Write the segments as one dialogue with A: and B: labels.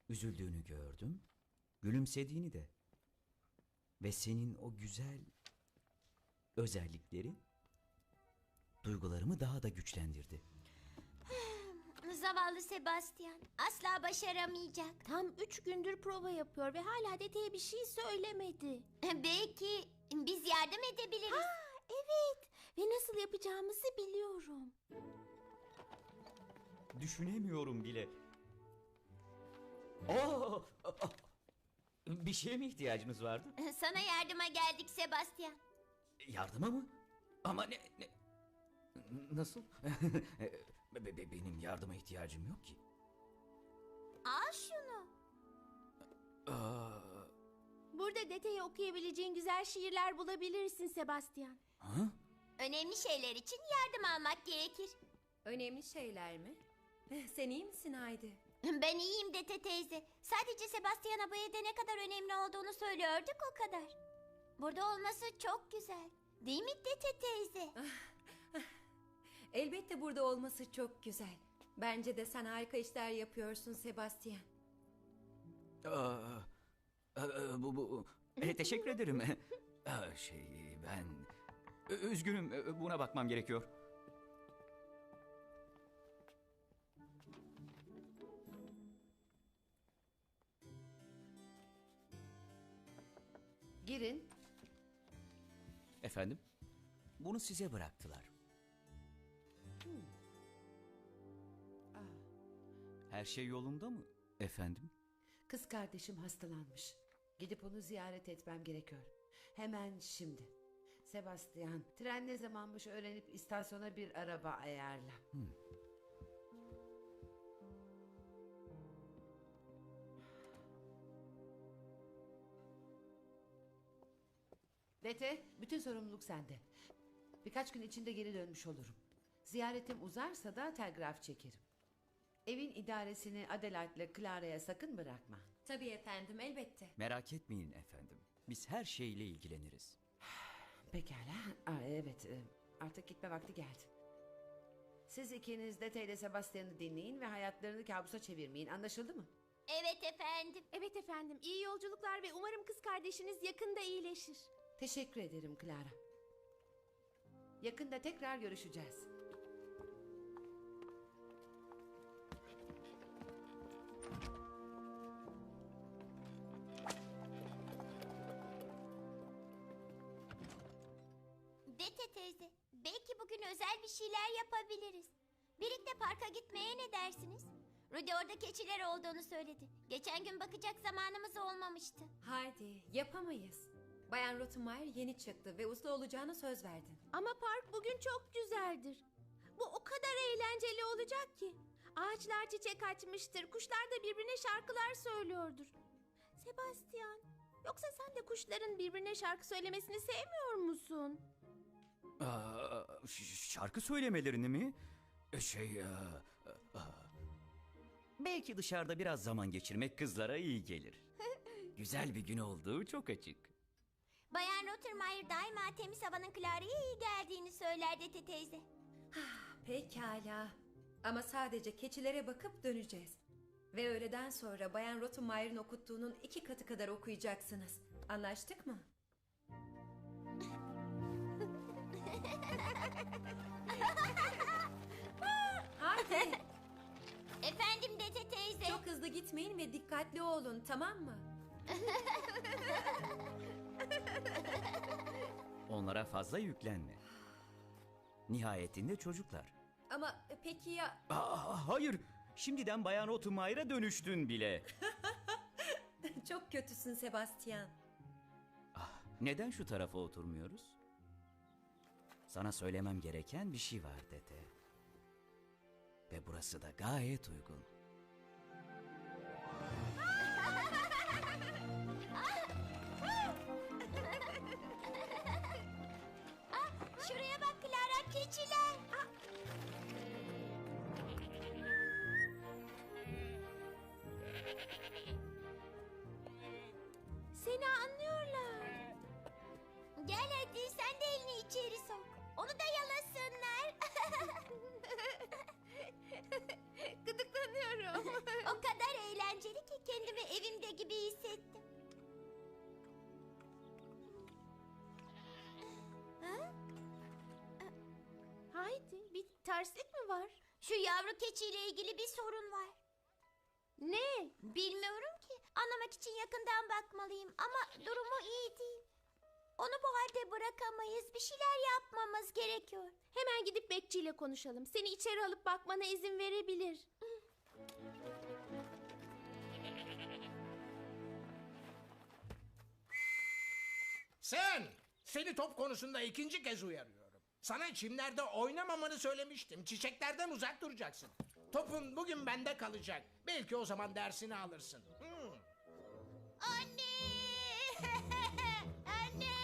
A: Üzüldüğünü gördüm, gülümsediğini de. Ve senin o güzel özellikleri duygularımı daha da güçlendirdi.
B: Zavallı Sebastian asla başaramayacak.
C: Tam 3 gündür prova yapıyor ve hala dedeye bir şey söylemedi.
B: Belki biz yardım edebiliriz.
C: Evet ve nasıl yapacağımızı biliyorum.
A: Düşünemiyorum bile. Oo! Bir şeye mi ihtiyacınız vardı?
B: Sana yardıma geldik Sebastian.
A: Yardıma mı? Ama nasıl? Benim yardıma ihtiyacım yok ki.
B: Al şunu.
C: Burada dedeye okuyabileceğin güzel şiirler bulabilirsin Sebastian.
A: Ha?
B: Önemli şeyler için yardım almak gerekir.
D: Önemli şeyler mi? Sen iyi misin Haydi?
B: Ben iyiyim Dete teyze. Sadece Sebastian'a bu evde ne kadar önemli olduğunu söylüyorduk o kadar. Burada olması çok güzel. Değil mi Dete teyze?
D: Elbette burada olması çok güzel. Bence de sen harika işler yapıyorsun Sebastian.
A: Teşekkür ederim. Ben üzgünüm, buna bakmam gerekiyor.
E: Girin.
A: Efendim? Bunu size bıraktılar. Her şey yolunda mı efendim?
E: Kız kardeşim hastalanmış. Gidip onu ziyaret etmem gerekiyor. Hemen şimdi. Sebastian, tren ne zamanmış öğrenip istasyona bir araba ayarla. Dete, bütün sorumluluk sende. Birkaç gün içinde geri dönmüş olurum. Ziyaretim uzarsa da telgraf çekerim. Evin idaresini Adelaide'le Clara'ya sakın bırakma.
D: Tabii efendim, elbette.
A: Merak etmeyin efendim. Biz her şeyle ilgileniriz.
E: Pekala. Evet, artık gitme vakti geldi. Siz ikiniz Dete ile Sebastian'ı dinleyin ve hayatlarını kabusa çevirmeyin. Anlaşıldı mı?
B: Evet efendim.
C: Evet efendim, iyi yolculuklar ve umarım kız kardeşiniz yakında iyileşir.
E: Teşekkür ederim Clara. Yakında tekrar görüşeceğiz.
B: Dete teyze, belki bugün özel bir şeyler yapabiliriz. Birlikte parka gitmeye ne dersiniz? Rudy orada keçiler olduğunu söyledi. Geçen gün bakacak zamanımız olmamıştı.
D: Haydi, yapamayız. Bayan Rottenmeier yeni çıktı ve usta olacağına söz verdin.
C: Ama park bugün çok güzeldir. Bu o kadar eğlenceli olacak ki. Ağaçlar çiçek açmıştır, kuşlar da birbirine şarkılar söylüyordur. Sebastian, yoksa sen de kuşların birbirine şarkı söylemesini sevmiyor musun?
A: Şarkı söylemelerini mi? Belki dışarıda biraz zaman geçirmek kızlara iyi gelir. Güzel bir gün olduğu çok açık.
B: Bayan Rottenmeier daima temiz havanın Clara'ya iyi geldiğini söyler Dete teyze.
D: Pekala. Ama sadece keçilere bakıp döneceğiz. Ve öğleden sonra Bayan Rottenmeier'in okuttuğunun 2 katı kadar okuyacaksınız. Anlaştık mı? Haydi.
B: Efendim Dete teyze.
D: Çok hızlı gitmeyin ve dikkatli olun, tamam mı?
A: Onlara fazla yüklenme. Nihayetinde çocuklar.
D: Ama peki ya...
A: Hayır, şimdiden Bayan Rottenmeier'a dönüştün bile.
D: Çok kötüsün Sebastian.
A: Neden şu tarafa oturmuyoruz? Sana söylemem gereken bir şey var Dete. Ve burası da gayet uygun.
B: Şuraya bak Clara, keçiler.
C: Seni anlıyorlar.
B: Gel hadi sen de elini içeri sok. Onu da yalasınlar.
C: Gıdıklanıyorum.
B: O kadar eğlenceli ki kendimi evimde gibi hissettim. Ha?
C: Haydi, bir terslik mi var?
B: Şu yavru keçiyle ilgili bir sorun var.
C: Ne?
B: Bilmiyorum ki. Anlamak için yakından bakmalıyım ama durumu iyi değil. Onu bu halde bırakamayız. Bir şeyler yapmamız gerekiyor.
C: Hemen gidip bekçiyle konuşalım. Seni içeri alıp bakmana izin verebilir.
F: Seni top konusunda ikinci kez uyarıyorum. Sana çimlerde oynamamanı söylemiştim. Çiçeklerden uzak duracaksın. Topun bugün bende kalacak. Belki o zaman dersini alırsın.
B: Anne! Anne!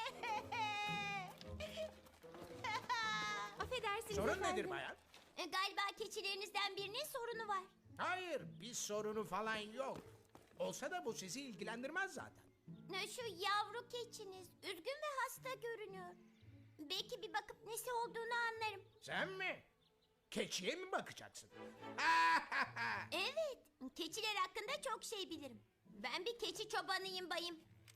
C: Affedersiniz
F: Sorun
C: efendim.
F: nedir bayan?
B: Galiba keçilerinizden birinin sorunu var.
F: Hayır, bir sorunu falan yok. Olsa da bu sizi ilgilendirmez zaten.
B: Şu yavru keçiniz üzgün ve hasta görünüyor. Belki bir bakıp nesi olduğunu anlarım.
F: Sen mi? Keçiye mi bakacaksın?
B: Evet, keçiler hakkında çok şey bilirim. Ben bir keçi çobanıyım bayım.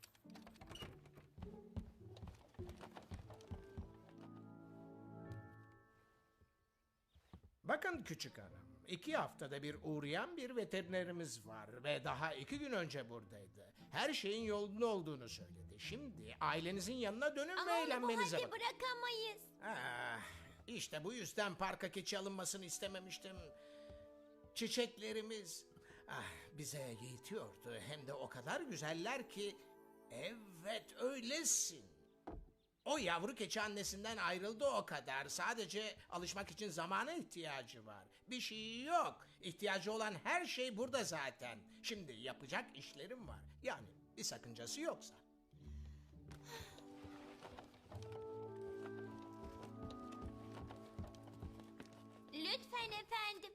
F: Bakın küçük hanım, 2 haftada bir uğrayan bir veterinerimiz var ve daha 2 gün önce buradaydı. Her şeyin yolunda olduğunu söyledi. Şimdi ailenizin yanına dönün
B: Ama
F: ve
B: onu bu
F: eğlenmenize
B: halde
F: bakın.
B: bırakamayız.
F: İşte bu yüzden parka keçi alınmasını istememiştim. Çiçeklerimiz bize yetiyordu. Hem de o kadar güzeller ki. Evet öylesin. O yavru keçi annesinden ayrıldı o kadar. Sadece alışmak için zamana ihtiyacı var. Bir şey yok. İhtiyacı olan her şey burada zaten. Şimdi yapacak işlerim var. Yani bir sakıncası yoksa.
B: Lütfen efendim.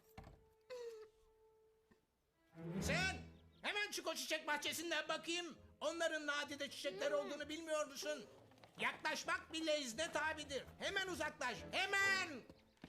F: Sen hemen çık o çiçek bahçesinden bakayım. Onların nadide çiçekler olduğunu bilmiyor musun? Yaklaşmak bile izne tabidir. Hemen uzaklaş. Hemen.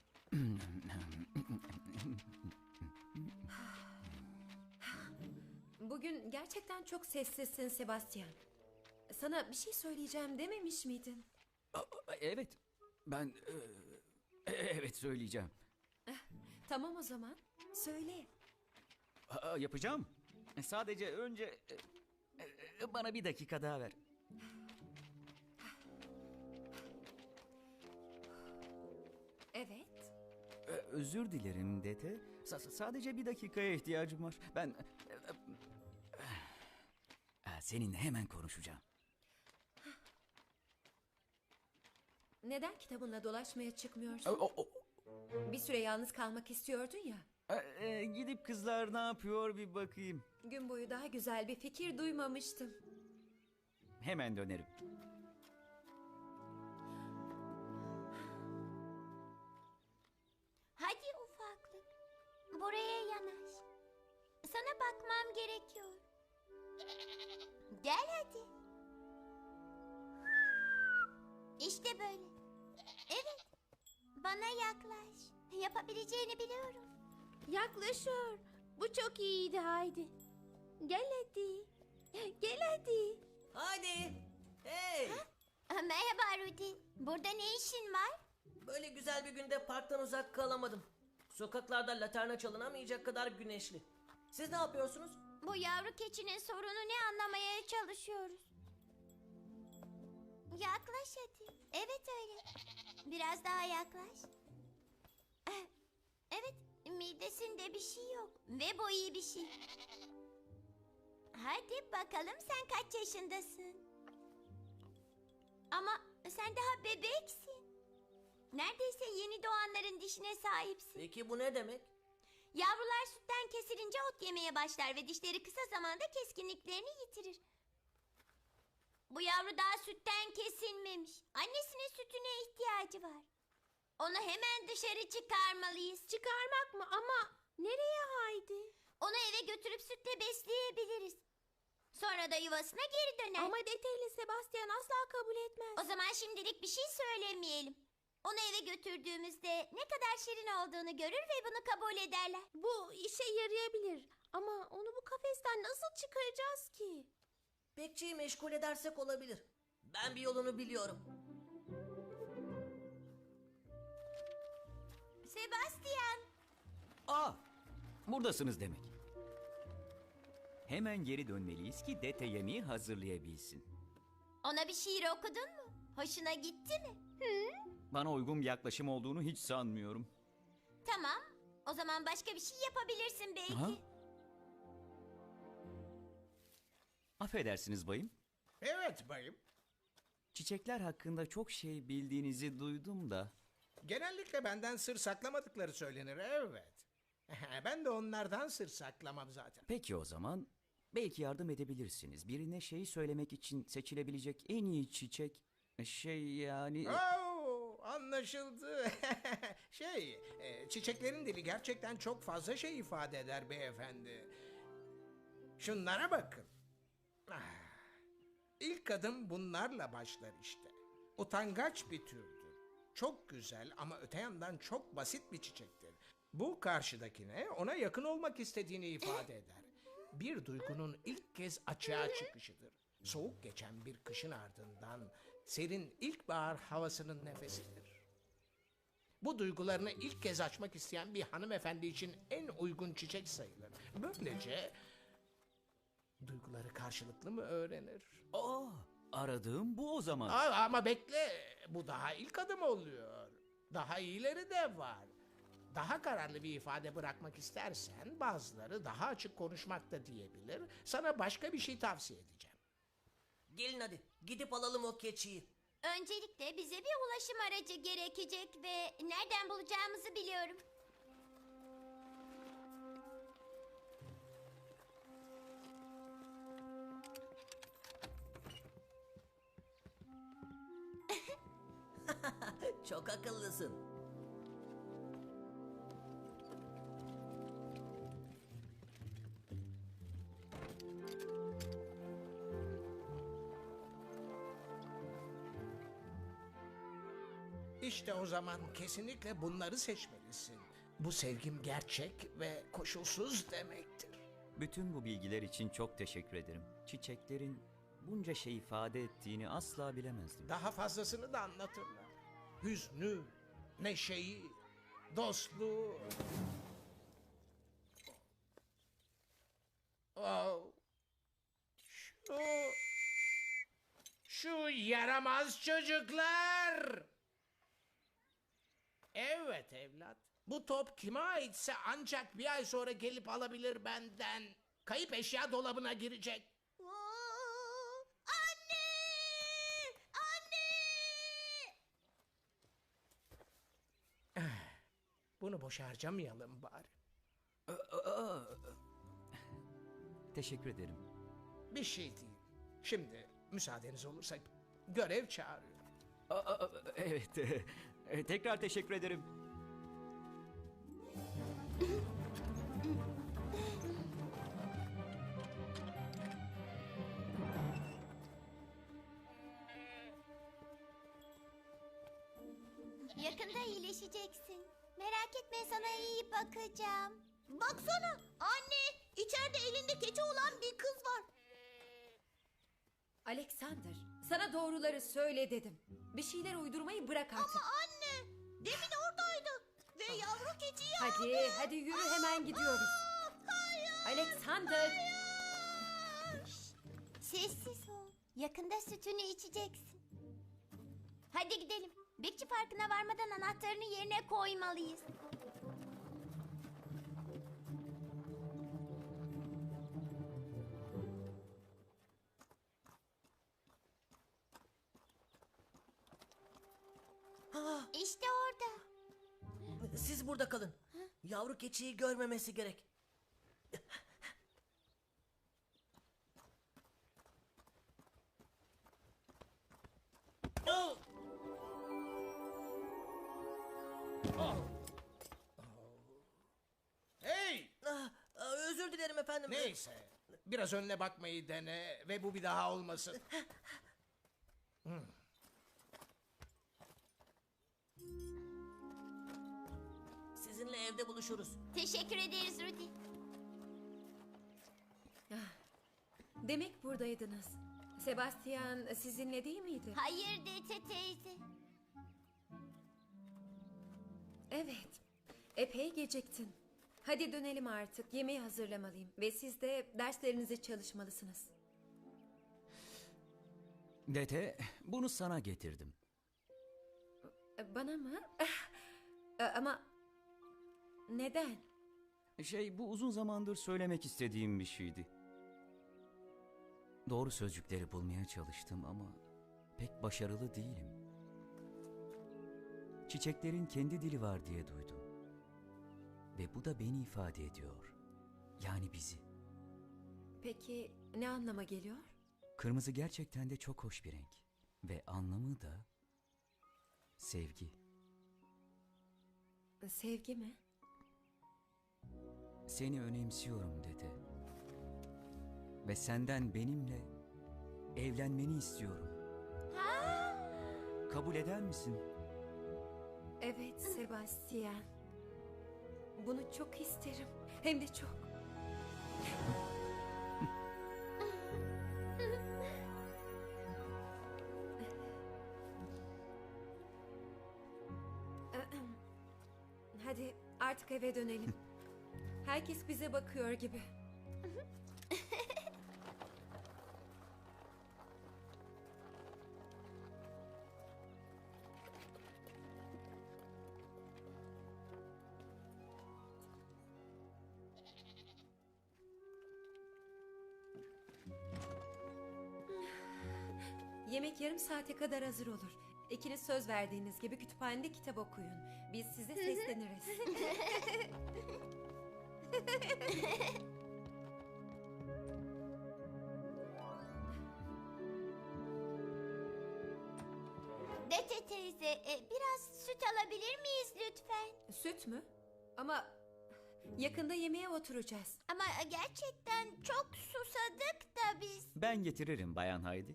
D: Bugün gerçekten çok sessizsin Sebastian. Sana bir şey söyleyeceğim dememiş miydin?
A: Evet, ben evet söyleyeceğim.
D: Tamam o zaman. Söyle.
A: Yapacağım. Sadece önce bana bir dakika daha ver.
D: Evet.
A: Özür dilerim Dete. Sadece bir dakikaya ihtiyacım var. Ben seninle hemen konuşacağım.
D: Neden kitabınla dolaşmaya çıkmıyorsun? Bir süre yalnız kalmak istiyordun ya.
A: Gidip kızlar ne yapıyor bir bakayım.
D: Gün boyu daha güzel bir fikir duymamıştım.
A: Hemen dönerim.
B: Hadi ufaklık. Buraya yanaş. Sana bakmam gerekiyor. Gel hadi. İşte böyle. Evet. Bana yaklaş. Yapabileceğini biliyorum.
C: Yaklaşıyor. Bu çok iyiydi Haydi. Gel hadi. Gel hadi.
G: Hadi. Hey.
B: Merhaba Rudy. Burada ne işin var?
G: Böyle güzel bir günde parktan uzak kalamadım. Sokaklarda laterna çalınamayacak kadar güneşli. Siz ne yapıyorsunuz?
B: Bu yavru keçinin sorunu ne anlamaya çalışıyoruz. Yaklaş hadi. Evet öyle. Biraz daha yaklaş. Evet, midesinde bir şey yok. Ve bu iyi bir şey. Hadi bakalım sen kaç yaşındasın? Ama sen daha bebeksin. Neredeyse yeni doğanların dişine sahipsin.
G: Peki bu ne demek?
B: Yavrular sütten kesilince ot yemeye başlar ve dişleri kısa zamanda keskinliklerini yitirir. Bu yavru daha sütten kesilmemiş. Annesinin sütüne ihtiyacı var. Onu hemen dışarı çıkarmalıyız.
C: Çıkarmak mı? Ama nereye Haydi?
B: Onu eve götürüp sütle besleyebiliriz. Sonra da yuvasına geri döner.
C: Ama Dete ile Sebastian asla kabul etmez.
B: O zaman şimdilik bir şey söylemeyelim. Onu eve götürdüğümüzde ne kadar şirin olduğunu görür ve bunu kabul ederler.
C: Bu işe yarayabilir. Ama onu bu nasıl çıkaracağız ki?
G: Bekçiyi meşgul edersek olabilir. Ben bir yolunu biliyorum.
B: Sebastian,
A: Aa, buradasınız demek. Hemen geri dönmeliyiz ki Dete yemeği hazırlayabilsin.
B: ona bir şiir okudun mu? Hoşuna gitti mi?
A: Bana uygun bir yaklaşım olduğunu hiç sanmıyorum.
B: Tamam, o zaman başka bir şey yapabilirsin belki.
A: Ha? Affedersiniz bayım.
F: Evet bayım.
A: Çiçekler hakkında çok şey bildiğinizi duydum da.
F: Genellikle benden sır saklamadıkları söylenir, evet. Ben de onlardan sır saklamam zaten.
A: Peki o zaman belki yardım edebilirsiniz. Birine şeyi söylemek için seçilebilecek en iyi çiçek yani...
F: Oo, anlaşıldı. Çiçeklerin dili gerçekten çok fazla şey ifade eder beyefendi. Şunlara bakın. Ah, İlk adım bunlarla başlar işte. Utangaç bir türdür. Çok güzel ama öte yandan çok basit bir çiçektir. Bu karşıdakine ona yakın olmak istediğini ifade eder. Bir duygunun ilk kez açığa çıkışıdır. Soğuk geçen bir kışın ardından serin ilkbahar havasının nefesidir. Bu duygularını ilk kez açmak isteyen bir hanımefendi için en uygun çiçek sayılır. Böylece duyguları karşılıklı mı öğrenir?
A: Aa, aradığım bu o zaman.
F: Ama bekle, bu daha ilk adım oluyor. Daha iyileri de var. Daha kararlı bir ifade bırakmak istersen bazıları daha açık konuşmak da diyebilir. Sana başka bir şey tavsiye edeceğim.
G: Gelin hadi gidip alalım o keçiyi.
B: Öncelikle bize bir ulaşım aracı gerekecek ve nereden bulacağımızı biliyorum.
G: Çok akıllısın.
F: İşte o zaman kesinlikle bunları seçmelisin. Bu sevgim gerçek ve koşulsuz demektir.
A: Bütün bu bilgiler için çok teşekkür ederim. Çiçeklerin bunca şey ifade ettiğini asla bilemezdim.
F: Daha fazlasını da anlatırlar. Hüznü, neşeyi, dostluğu. Oh. Şu yaramaz çocuklar. Evet evlat. Bu top kime aitse ancak bir ay sonra gelip alabilir benden. Kayıp eşya dolabına girecek.
B: Anne! Anne!
F: Bunu boş harcamayalım bari.
A: Teşekkür ederim.
F: Bir şey değil. Şimdi müsaadeniz olursa görev çağırıyor.
A: Evet. Tekrar teşekkür ederim.
B: Yakında iyileşeceksin. Merak etme, sana iyi bakacağım. Baksana anne, içeride elinde keçi olan bir kız var.
D: Alexander, sana doğruları söyle dedim. Bir şeyler uydurmayı bırak artık.
B: Anne, demin oradaydı ve yavru keçiyi
D: Hadi yürü, hemen gidiyoruz. Alexander.
B: Sessiz ol. Yakında sütünü içeceksin. Hadi gidelim. Bekçi Parkı'na varmadan anahtarını yerine koymalıyız. İşte orada.
G: Siz burada kalın. Yavru keçiyi görmemesi gerek. Oh!
F: Hey!
G: Özür dilerim efendim.
F: Neyse. Biraz önüne bakmayı dene ve bu bir daha olmasın.
G: Sizinle evde buluşuruz.
B: Teşekkür ederiz Rudy.
D: Demek buradaydınız. Sebastian sizinle değil miydi?
B: Hayır Dete teyze.
D: Evet. Epey geciktin. Hadi dönelim artık. Yemeği hazırlamalıyım. Ve siz de derslerinize çalışmalısınız.
A: Dete, bunu sana getirdim.
D: Bana mı? Ama neden?
A: Bu uzun zamandır söylemek istediğim bir şeydi. Doğru sözcükleri bulmaya çalıştım ama pek başarılı değilim. Çiçeklerin kendi dili var diye duydum. Ve bu da beni ifade ediyor. Yani bizi.
D: Peki ne anlama geliyor?
A: Kırmızı gerçekten de çok hoş bir renk. Ve anlamı da sevgi.
D: Sevgi mi?
A: Seni önemsiyorum dede. Ve senden benimle evlenmeni istiyorum. Kabul eder misin?
D: Evet Sebastian. Bunu çok isterim. Hem de çok. Hadi artık eve dönelim. Herkes bize bakıyor gibi. Yemek yarım saate kadar hazır olur. İkiniz söz verdiğiniz gibi kütüphanede kitap okuyun. Biz size sesleniriz.
B: Dete teyze, biraz süt alabilir miyiz lütfen?
D: Süt mü? Ama yakında yemeğe oturacağız.
B: Ama gerçekten çok susadık da biz.
A: Ben getiririm Bayan Haydi.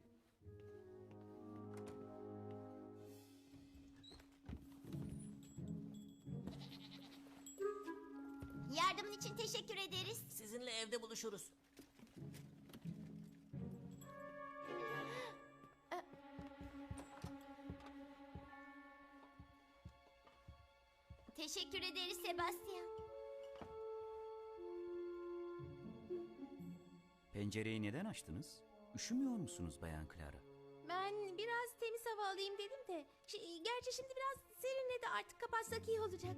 B: Yardımın için teşekkür ederiz.
G: Sizinle evde buluşuruz.
B: Teşekkür ederiz Sebastian.
A: Pencereyi neden açtınız? Üşümüyor musunuz Bayan Clara?
C: Ben biraz temiz hava alayım dedim de. Gerçi şimdi biraz serinledi, artık kapatsak iyi olacak.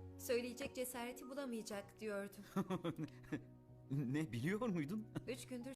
D: Söyleyecek cesareti bulamayacak diyordum.
A: Ne biliyor muydun?
D: 3 gündür